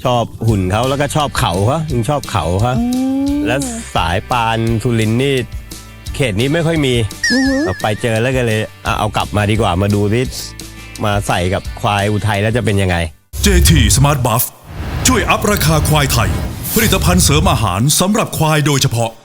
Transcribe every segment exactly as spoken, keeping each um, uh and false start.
ชอบหุ่นเขาแล้วก็ชอบเขาเขายังชอบเขาเขาแล้วสายปานสุรินทร์นี่เขตนี้ไม่ค่อยมีเราไปเจอแล้วก็เลยเอากลับมาดีกว่ามาดูที่มาใส่กับควายอุทัยแล้วจะเป็นยังไงเจ ที Smart Buff ช่วยอัพราคาควายไทยผลิตภัณฑ์เสริมอาหารสำหรับควายโดยเฉพาะ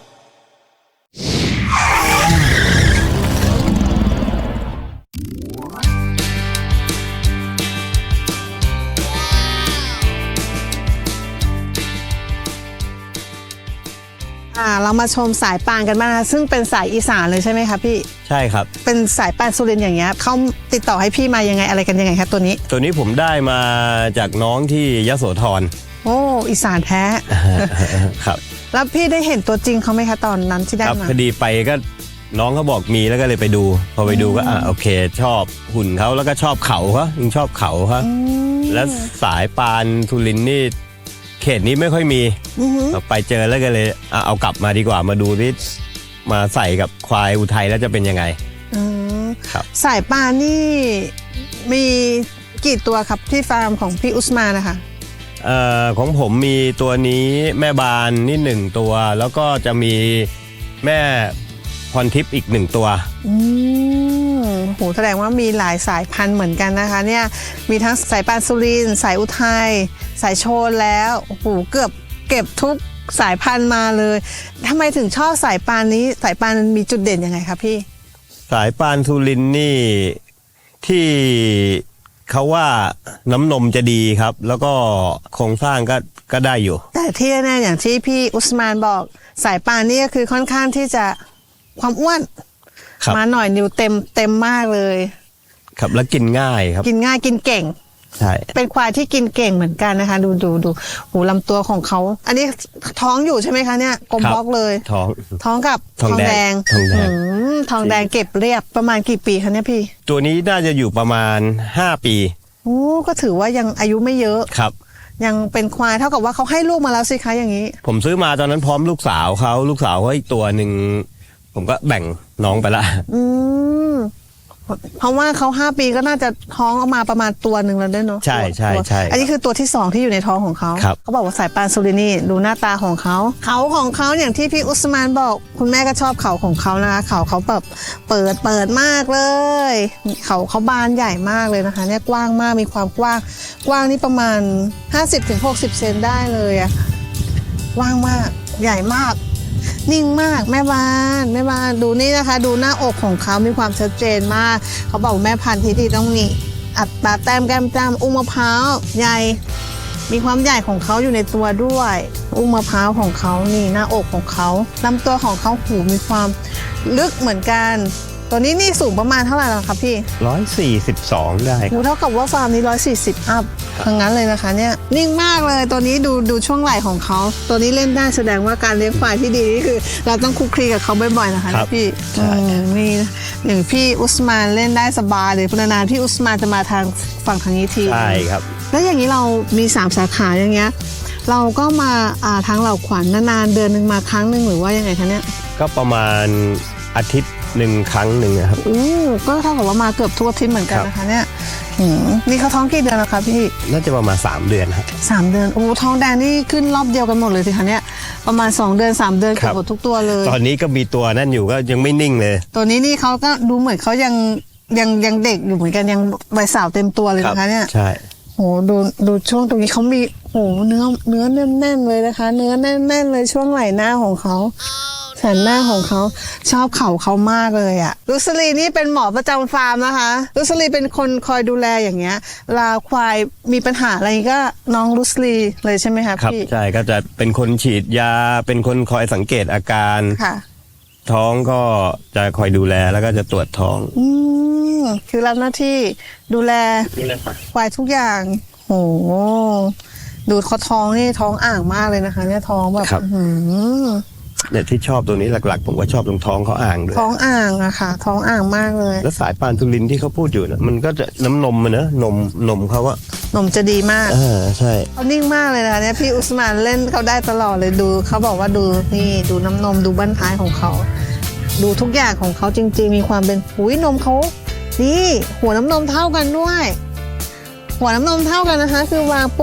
เรามาชมสายปานกันบ้างนะซึ่งเป็นสายอีสานเลยใช่ไหมคะพี่ใช่ครับเป็นสายปานสุรินทร์อย่างเงี้ยเขาติดต่อให้พี่มายังไงอะไรกันยังไงครับตัวนี้ตัวนี้ผมได้มาจากน้องที่ยโสธรโอ้อีสานแท้ครับแล้วพี่ได้เห็นตัวจริงเขาไหมคะตอนนั้นที่ได้มาพอดีไปก็น้องเขาบอกมีแล้วก็เลยไปดูพอไปดูก็อ่ะโอเคชอบหุ่นเขาแล้วก็ชอบเขาเขายังชอบเขาเขาแล้วสายปานสุรินทร์นี่เขตนี้ไม่ค่อยมีเราไปเจอแล้วก็เลยเอากลับมาดีกว่ามาดูที่มาใส่กับควายอุทัยแล้วจะเป็นยังไงครับสายปานนี่มีกี่ตัวครับที่ฟาร์มของพี่อุสมานนะคะเอ่อของผมมีตัวนี้แม่บานนี่หนึ่งตัวแล้วก็จะมีแม่พรทิพย์อีกหนึ่งตัวอืมโหแสดงว่ามีหลายสายพันธุ์เหมือนกันนะคะเนี่ยมีทั้งสายปานสุรินทร์สายอุทัยสายโชนแล้วโอ้โหเกือบเก็บทุกสายพันธุ์มาเลยทำไมถึงชอบสายปานนี้สายปานมีจุดเด่นยังไงครับพี่สายปานสุรินทร์นี่ที่เขาว่าน้ำนมจะดีครับแล้วก็โครงสร้างก็ก็ได้อยู่แต่ที่แน่ๆอย่างที่พี่อุสมานบอกสายปานนี่ก็คือค่อนข้างที่จะความอ้วนมาหน่อยนิ้วเต็มเต็มมากเลยครับแล้วกินง่ายครับกินง่ายกินเก่งใช่เป็นควายที่กินเก่งเหมือนกันนะคะดูดูดูหูลำตัวของเขาอันนี้ท้องอยู่ใช่ไหมคะเนี่ยกลมบล็อกเลยท้องท้องกับทองแดงทองแดงทองแดงเก็บเรียบประมาณกี่ปีคะเนี่ยพี่ตัวนี้น่าจะอยู่ประมาณห้าปีโอ้ก็ถือว่ายังอายุไม่เยอะครับยังเป็นควายเท่ากับว่าเขาให้ลูกมาแล้วสิคะอย่างนี้ผมซื้อมาตอนนั้นพร้อมลูกสาวเขาลูกสาวเขาอีกตัวหนึ่งผมก็แบ่งน้องไปละอืมเพราะว่าเขาห้าปีก็น่าจะท้องออกมาประมาณตัวหนึ่งแล้วด้วยเนาะใช่ใช่ใช่อันนี้คือตัวที่สองที่อยู่ในท้องของเขาเขาบอกว่าสายปานสุรินทร์นี่ดูหน้าตาของเขาเขาของเขาอย่างที่พี่อุสมานบอกคุณแม่ก็ชอบเขาของเขานะคะเขาเขาแบบเปิดเปิดมากเลยเขาเขาบานใหญ่มากเลยนะคะเนี่ยกว้างมากมีความกว้างกว้างนี่ประมาณ ห้าสิบถึงหกสิบ เซนได้เลยอะกว้างมากใหญ่มากนิ่งมากแม่บานแม่บานดูนี่นะคะดูหน้าอกของเขามีความชัดเจนมากเขาบอกแม่พันธุ์ที่ดีต้องมีอัตราแต้มแก้มจ้ำอุ้งมะพร้าวใหญ่มีความใหญ่ของเขาอยู่ในตัวด้วยอุ้งมะพร้าวของเขานี่หน้าอกของเขาลำตัวของเขาหูมีความลึกเหมือนกันตัวนี้นี่สูงประมาณเท่าไหร่ล่ะครับพี่ร้อยสี่สิบสองได้เท่ากับว่าฟาร์มนี้ร้อยสี่สิบอัพทั้งนั้นเลยนะคะเนี่ยนิ่งมากเลยตัวนี้ดูดูช่วงไหล่ของเขาตัวนี้เล่นได้แสดงว่าการเลี้ยงควายที่ดีนี่คือเราต้องคุกคีกับเขาบ่อยๆนะคะพี่นี่อย่างพี่อุสมานเล่นได้สบายเลยพนานๆพี่อุสมานจะมาทางฝั่งทางนี้ทีใช่ครับแล้วอย่างนี้เรามีสามสาขาอย่างเงี้ยเราก็มาอ่าทางเหล่าขวัญนานๆเดือนหนึ่งมาครั้งหนึ่งหรือว่ายังไงคะเนี่ยก็ประมาณอาทิตย์หนึ่งครั้งหนึ่งครับอู้ก็เท่ากับว่ามาเกือบทุกอาทิตย์เหมือนกันนะคะเนี่ยนี่เขาท้องกี่เดือนแล้วคะพี่น่าจะประมาณสามเดือนครับสามเดือนโอ้ท้องแดงนี่ขึ้นรอบเดียวกันหมดเลยสิคะเนี่ยประมาณสองเดือนสามเดือนเกือบหมดทุกตัวเลยตอนนี้ก็มีตัวนั่นอยู่ก็ยังไม่นิ่งเลยตัวนี้นี่เขาก็ดูเหมือนเขายังยังยังเด็กอยู่เหมือนกันยังใบสาวเต็มตัวเลยนะคะเนี่ยใช่โหดูดูช่วงตรงนี้เขามีโหเนื้อเนื้อแน่นๆเลยนะคะเนื้อแน่นๆเลยช่วงไหล่หน้าของเขาสันหน้าของเขาชอบเข่าเขามากเลยอะลุสลีนี่เป็นหมอประจำฟาร์มนะคะลุสลีเป็นคนคอยดูแลอย่างเงี้ยลาควายมีปัญหาอะไรก็น้องลุสลีเลยใช่ไหมคะครับใช่ก็จะเป็นคนฉีดยาเป็นคนคอยสังเกตอาการค่ะท้องก็จะคอยดูแลแล้วก็จะตรวจท้องอืมคือรับหน้าที่ดูแลควายทุกอย่างโหดูเขาท้องนี่ท้องอ่างมากเลยนะคะเนี่ยท้องแบบหืมเนี่ยที่ชอบตัวนี้หลักๆผมก็ชอบตรงท้องเขาอ่างด้วยท้องอ่างอะค่ะท้องอ่างมากเลยแล้วสายปานสุรินทร์ที่เขาพูดอยู่นะมันก็จะน้ำนมมันนะนมนมเขาอะนมจะดีมากอ่าใช่เขานิ่งมากเลยนะเนี่ยพี่อุสมานเล่นเขาได้ตลอดเลยดูเขาบอกว่าดูนี่ดูน้ำนมดูบั้นท้ายของเขาดูทุกอย่างของเขาจริงๆมีความเป็นหุยนมเขานี่หัวน้ำนมเท่ากันด้วยหัวน้ำนมเท่ากันนะคะคือวางปุ๊บ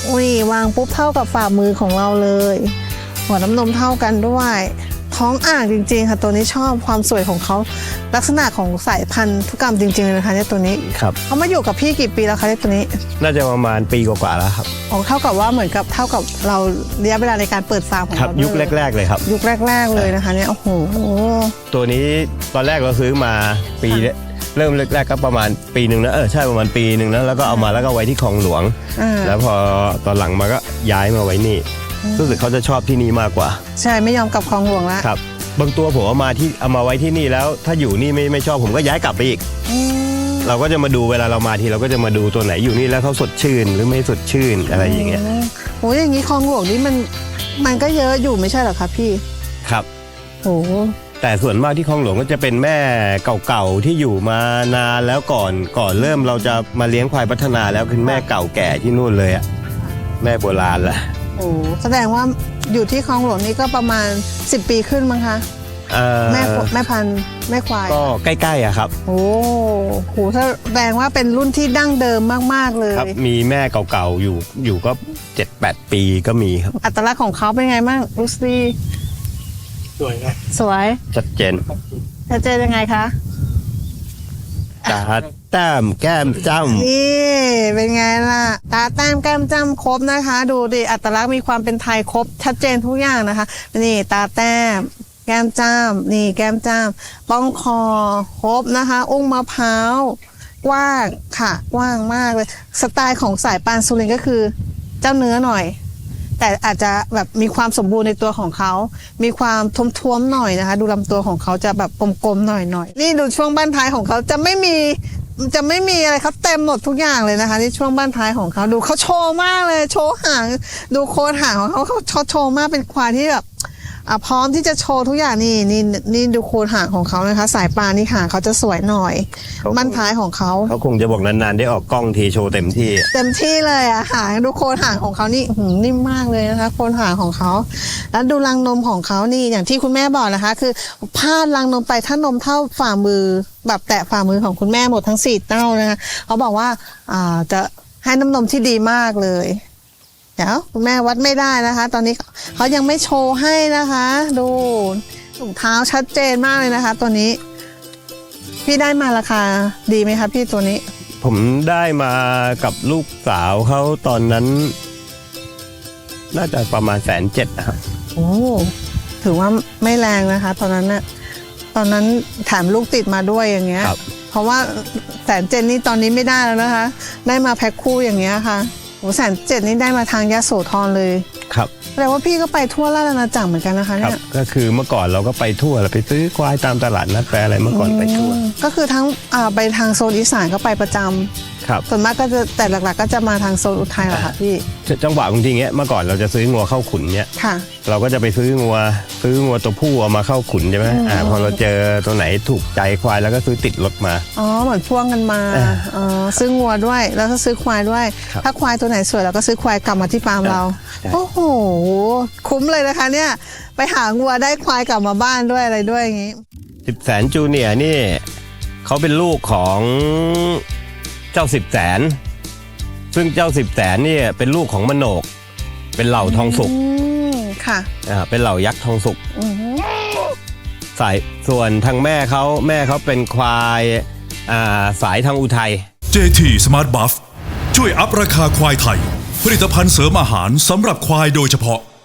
นี่วางปุ๊บเท่ากับฝ่ามือของเราเลย หัวน้ำนมเท่ากันด้วยท้องอ่างจริงๆค่ะตัวนี้ชอบความสวยของเขาลักษณะของสายพันธุกรรมจริงๆเลยนะคะเนี่ยตัวนี้ครับเขามาอยู่กับพี่กี่ปีแล้วคะเนี่ยตัวนี้น่าจะประมาณปีกว่าๆแล้วครับอ๋อเท่ากับว่าเหมือนกับเท่ากับเราระยะเวลาในการเปิดฟาร์มของครับเรายุคด้วยแรก ๆเลยครับยุคแรก ๆเลยนะคะเนี่ยโอ้โหตัวนี้ตอนแรกเราซื้อมาปีค่ะเริ่มแรกๆก็ประมาณปีหนึ่งนะเออใช่ประมาณปีหนึ่งนะแล้วก็เอามาแล้วก็ไว้ที่คลองหลวงอ่าแล้วพอตอนหลังมาก็ย้ายมาไว้นี่รู้สึกเขาจะชอบที่นี่มากกว่าใช่ไม่ยอมกลับคลองหลวงละครับบางตัวผมเอามาที่เอามาไว้ที่นี่แล้ว ถ้าอยู่นี่ไม่ไม่ชอบผมก็ย้ายกลับไปอีกอืมเราก็จะมาดูเวลาเรามาทีเราก็จะมาดูตัวไหนอยู่นี่แล้วเขาสดชื่นหรือไม่สดชื่นอะไรอย่างเงี้ยโอ้ยอย่างนี้คลองหลวงนี่มันมันก็เยอะอยู่ไม่ใช่เหรอคะพี่ครับโอ้แต่ส่วนมากที่คลองหลวงก็จะเป็นแม่เก่าๆที่อยู่มานานแล้วก่อนก่อนเริ่มเราจะมาเลี้ยงควายพัฒนาแล้วคือแม่เก่าแก่ที่นู่นเลยอะแม่โบราณแหละโหแสดงว่าอยู่ที่คลองหลวงนี่ก็ประมาณสิบปีขึ้นมั้งคะเอ่อแม่แม่พันธุ์แม่ควายก็ใกล้ๆอะครับโอ้โหถ้าแสดงว่าเป็นรุ่นที่ดั้งเดิมมากๆเลยครับมีแม่เก่าๆอยู่อยู่ก็เจ็ดแปดปีก็มีครับอัตลักษณ์ของเขาเป็นไงบ้างลูซี่สวยครับสวยชัดเจนชัดเจนยังไงคะตาแต้มแก้มจ้ำนี่เป็นไงล่ะ ตาแต้มแก้มจ้ำครบนะคะ ดูดิอัตลักษณ์มีความเป็นไทยครบชัดเจนทุกอย่างนะคะ นี่ตาแต้ม แก้มจ้ำนี่แก้มจ้ำป้องคอครบนะคะ อุ้งมะพร้าวกว้างค่ะ กว้างมากเลย สไตล์ของสายปานสุรินทร์ก็คือเจ้าเนื้อหน่อย แต่อาจจะแบบมีความสมบูรณ์ในตัวของเขา มีความท้วมๆหน่อยนะคะ ดูลำตัวของเขาจะแบบกลมๆหน่อยๆ นี่ดูช่วงบ้านท้ายของเขาจะไม่มีจะไม่มีอะไรเขาเต็มหมดทุกอย่างเลยนะคะนี่ช่วงบ้านท้ายของเขาดูเขาโชว์มากเลย โชว์หาง ดูโคนหางของเขาเขาเขาโชว์มากเป็นควายที่แบบอ่ะพร้อมที่จะโชว์ทุกอย่างนี่นี่นี่ดูโคนหางของเขานะคะ สายปานนี่หางเขาจะสวยหน่อย บ้านท้ายของเขาเขาคงจะบอกนานๆได้ออกกล้องทีโชว์เต็มที่เต็มที่เลยอะหางดูโคนหางของเขานี่หืมนิ่มมากเลยนะคะโคนหางของเขาแล้วดูรังนมของเขานี่อย่างที่คุณแม่บอกนะคะ คือพาดรังนมไปถ้านมเท่าฝ่ามือแบบแตะฝ่ามือของคุณแม่หมดทั้งสี่เต้านะคะเขาบอกว่าอ่าจะให้น้ำนมที่ดีมากเลยเดี๋ยวคุณแม่วัดไม่ได้นะคะ ตอนนี้เขายังไม่โชว์ให้นะคะ ดูถุงเท้าชัดเจนมากเลยนะคะ ตัวนี้ พี่ได้มาราคาดีไหมคะพี่ตัวนี้ผมได้มากับลูกสาวเขาตอนนั้น น่าจะประมาณแสนเจ็ดนะครับโอ้ถือว่าไม่แรงนะคะ ตอนนั้นน่ะตอนนั้นแถมลูกติดมาด้วยอย่างเงี้ยครับเพราะว่าแสนเจ็ดนี่ตอนนี้ไม่ได้แล้วนะคะ ได้มาแพ็คคู่อย่างเงี้ยค่ะโอ้แสนเจ็ดนี่ได้มาทางยโสธรเลยครับแปลว่าพี่ก็ไปทั่วราชอาณาจักรเหมือนกันนะคะครัเนี่บยก็คือเมื่อก่อนเราก็ไปทั่วเราไปซื้อควายตามตลาดนัดแปลอะไรเมื่อก่อนไปทั่วอืมก็คือทั้งอ่าไปทางโซนอีสานก็ไปประจำครับส่วนมากก็จะแต่หลักๆ ก็จะมาทางโซนอุทัยแหละค่ะพี่จังหวะบางทีเงี้ยเมื่อก่อนเราจะซื้องัวเข้าขุนเนี้ยค่ะเราก็จะไปซื้องัวซื้องัวตัวผู้เอามาเข้าขุนใช่ไหมอ่าพอเราเจอตัวไหนถูกใจควายแล้วก็ซื้อติดรถมาอ๋อเหมือนพ่วงกันมาอ่าอ๋อซื้องัวด้วยแล้วก็ซื้อควายด้วยครับถ้าควายตัวไหนสวยเราก็ซื้อควายกลับมาที่ฟาร์มเราใช่โอ้โหคุ้มเลยนะคะ เนี่ยไปหางัวได้ควายกลับมาบ้านด้วยอะไรด้วยอย่างนี้สิบแสนจูเนียร์นี่เขาเป็นลูกของเจ้าสิบแสนซึ่งเจ้าสิบแสนนี่เป็นลูกของมโนก เป็นเหล่าทองสุกอืมค่ะอ่าเป็นเหล่ายักษ์ทองสุกอือหือสายส่วนทางแม่เขาแม่เขาเป็นควายอ่าสายทางอุทัยเจ ที Smart Buff ช่วยอัพราคาควายไทย ผลิตภัณฑ์เสริมอาหารสำหรับควายโดยเฉพาะ